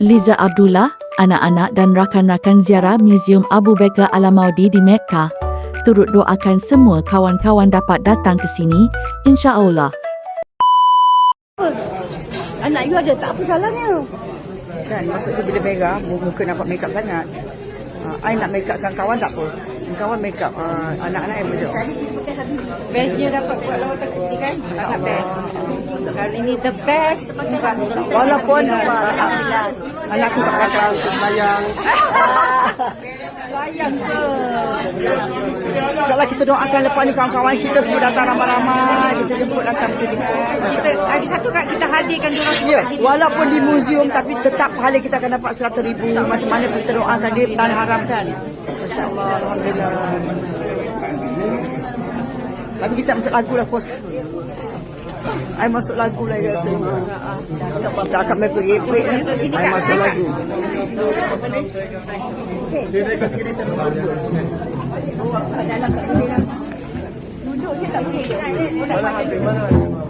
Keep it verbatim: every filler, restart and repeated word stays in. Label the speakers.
Speaker 1: Liza Abdullah, anak-anak dan rakan-rakan ziarah Museum Abu Bakar Al-Maudi di Mekah, turut doakan semua kawan-kawan dapat datang ke sini, insya-Allah.
Speaker 2: Anak you ada tak apa salahnya?
Speaker 3: Kan, maksudnya bila merah, muka nampak make up sangat. Uh, I nak make upkan kawan tak apa. Kawan make up uh, anak-anak yang betul.
Speaker 2: Best dia dapat buat lawatan kecil kan? Sangat best. Kali ni the best.
Speaker 3: Walaupun uh, anakku tak kata sayang.
Speaker 2: Sayang ke?
Speaker 3: Kalau kita doakan lepas ni kawan-kawan kita semua datang ramai-ramai. Kita jemput datang kita jemput.
Speaker 2: Kita hari satu kan kita hadirkan diorang semua
Speaker 3: Ya,
Speaker 2: kat sini.
Speaker 3: walaupun di museum tapi tetap pahala kita akan dapat seratus ribu. Macam mana kita doakan dia tanah haram kan? Masya-Allah, alhamdulillah. Tapi kita masuk lagu lah bos. I masuk lagu lah rasa. Tak akan main pergi-pergi. I masuk lagu.
Speaker 2: Duduk je tak boleh.